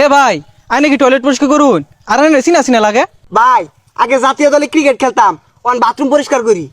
এ ভাই আই নাকি টয়লেট পরিষ্কার করুন আর চিনা চিনা লাগে। ভাই আগে জাতীয় দলে ক্রিকেট খেলতাম, অন বাথরুম পরিষ্কার করি।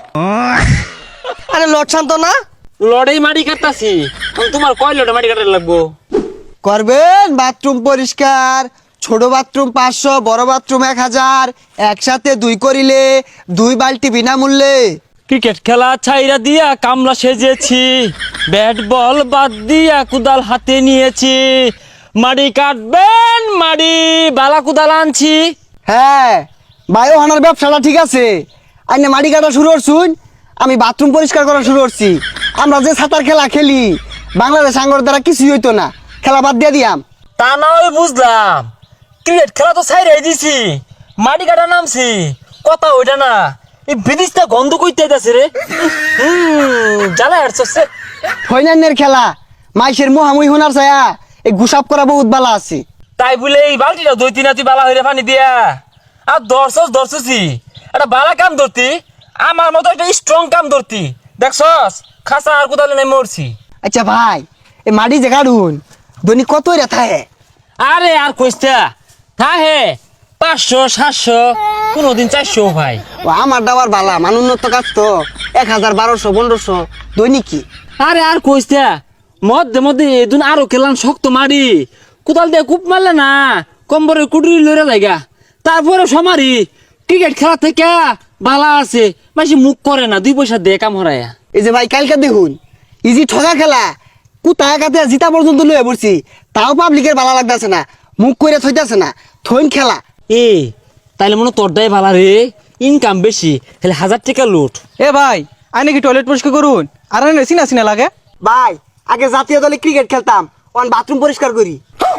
আরে লট শান্ত না লড়াই মাটি কাটতাছি, তোমার কয় লড়াই মাটি কাটার লাগবো? করবেন বাথরুম পরিষ্কার, ছোট বাথরুম 500, বড় বাথরুম 1000, একসাথে 2 করিলে 2 বালতি বিনামূল্যে। ক্রিকেট খেলা ছাইরা দিয়া কামলা সেজেছি, ব্যাট বল বাদ দিয়া কুদাল হাতে নিয়েছি, মাটি কাটবেন মাটি বালা কুদাল আনছি। হ্যাঁ ভাই, ওখানের ব্যবসাটা ঠিক আছে। আইনে মাটি কাটা শুরু করছুন, আমি বাথরুম পরিষ্কার করা শুরু করছি। আমরা যে সাঁতার খেলা খেলি, বাংলাদেশ আঙ্গর দ্বারা কিছুই হইতো না, খেলা বাদ দিয়ে দিয়াম। তা না হয় বুঝলাম, ক্রিকেট খেলা তো ছাইরাই দিছি, মাটি কাটা নামছি, কথা ওইটা না। এই বিদিশটা গন্ধ কইতে যাচ্ছে রে, জ্বালা হাঁটছে। ফৈনান্যের খেলা মাইসের মুহামুই হোনার ছায়া এই গুসাপ করা বহুত বালা আছে। তাই বলে এই বালতিটা 2-3 হাতি বালা হইরে পানি দিয়া আর ধরছি একটা বালা কাম ধরতি, আমার মতো একটা স্ট্রং কাম ধরতি, দেখছস খাসা আর কোদালে নাই মরছি। আচ্ছা ভাই, এই মাটি যে কাটুন দৈনিক কত রেথা হে? আরে আর কইস্তা হে 500-700, কোনদিন 400 ভাই। ও আমার ডাবার বালা মান উন্নত কাজ তো 1000, 1200, 1500 দৈনিক কি। আরে আর কইস্তা মধ্যে এদিন আরো খেলাম শক্ত মারি, কোদাল দিয়ে কূপ মারলে না কম্বরে কুটুরি লড়ে লাগা, তারপরে সমারি ক্রিকেট খেলা থেকে বালা আছে, বেশি মুখ করে না, 2 পয়সা দিয়ে কাম হরায়া। এই যে ভাই কালকে দেখুন ইজি ঠগা খেলা, কুতা একাতে জিতা পর্যন্ত লয়ে পড়ছি, তাও পাবলিকের বালা লাগতেছে না, মুখ করে থইতাছে না, থইন খেলা। এ তাইলে মনে তোরটাই ভালো রে, ইনকাম বেশি, তাহলে 1000 টাকা লুট। এ ভাই আই নাকি টয়লেট পরিষ্কার করুন আর চিনা চিনা লাগে। ভাই আগে জাতীয় দলে ক্রিকেট খেলতাম, অন বাথরুম পরিষ্কার করি।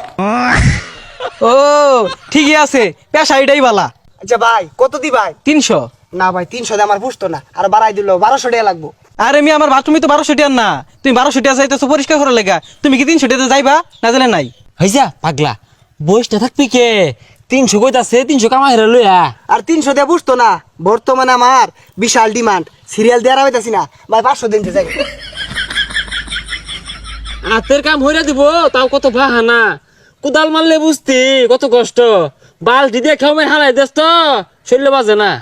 ও ঠিকই আছে, পেশা এটাই বালা। আচ্ছা ভাই কত দি ভাই? 300। না ভাই 300 দিয়ে আমার পুষতো না, আর বাড়াই দিল 1200 টাকা লাগবো। আরে আমি আমার বাথরুমে তো 1200 টাকা না, তুমি 1200 টাকা চাইতেছো পরিষ্কার করার লেগা, তুমি কি 300 টাকা যাইবা না জানে নাই? হইছা পাগলা, বয়সটা থাকবি কে? 300 কইতাছে, 300 কামাই হেরে লইয়া। আর 300 দিয়ে পুষতো না, বর্তমানে আমার বিশাল ডিমান্ড, সিরিয়াল দেওয়া হইতাছি না ভাই, 500 দিনতে যাই। হাতের কাম হইরা দিব তাও কত বাহানা, কোদাল মারলে বুঝতি কত কষ্ট, বালতি দিয়ে খেয়ে হারাই দেস তো শরীরে বাজে না।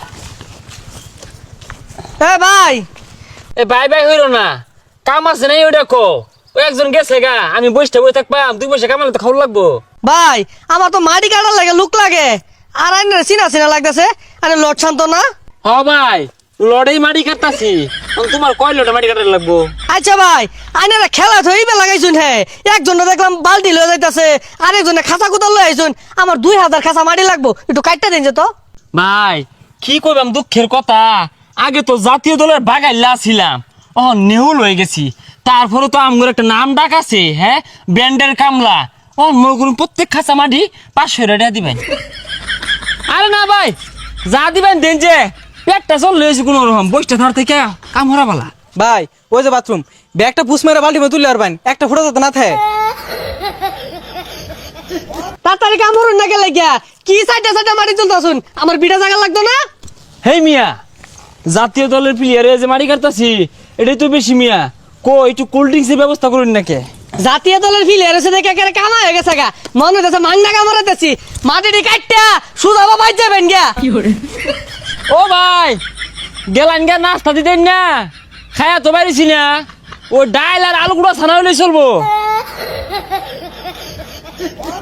এ ভাই এ বাই হইল না, কাম আছে নাই ওই দেখো, ওই একজন গেছে গা, আমি বসে থাকবাম, 2 পয়সা কামালে তো খাওয়া লাগবো। ভাই আমার তো মাটি কাটার লাগে লুক লাগে, আর আইনের চিনা চিনা লাগতেছে। আরে লট শান্ত না হ ভাই, লড়াই মাটি কাটতাছি, তোমার কয় লড়াই মাটি কাটার লাগবো? আচ্ছা ভাই আইনারা খেলা থইবে লাগাইছুন, হে একজনে দেখলাম বালতি লয়ে যাইতাছে, আরেকজনে খাঁচা কুদাল লয়ে আইছুন, আমার 2000 খাঁচা মাটি লাগবো, একটু কাটটা দিন যে তো। ভাই কি কইবাম দুঃখের কথা, আগে তো জাতীয় দলের বাগাইলা ছিলাম, নেহুল হয়ে গেছি, তারপরে তো আমগর একটা নাম ডাক আছে, হ্যাঁ ব্যান্ডের কামলা, মগুর প্রত্যেক খাঁচা মাটি 500 টাকা দিবেন। আরে না ভাই যা দিবেন দেন, যে পেটটা চল লয়েছি কোনো রকম, বসটা ধর থেকে কাম হরা বালা। ভাই ওই যে বাথরুম, ব্যাগটা পুষ মেরে বাল্টি তুললে আর বাইন একটা ফুটা যেতে না থাকে। তাড়াতাড়ি কাম করুন না গেলে গিয়া, কি সাইডে মাটি তুলতাছুন, আমার বিটা জায়গা লাগতো না? হেই মিয়া, জাতীয় দলের প্লেয়ারে যে মাটি কাটতাছি এটাই তো বেশি মিয়া, একটু কোল্ড ড্রিঙ্কসের ব্যবস্থা করুন নাকি? জাতীয় দলের ফিলিয়ার এসে দেখে একেবারে কামা হয়ে গেছে গা, মনে হইতেছে মাংনা কামড়াতেছি, মাটিটি কাটটা সুদা বাবা যাবেন গিয়া। ও ভাই গেলান গা, নাস্তা দিতেন না, খায়া তো পারিছি না, ও ডাইল আর আলু গুঁড়া ছানা হইলে চলবো।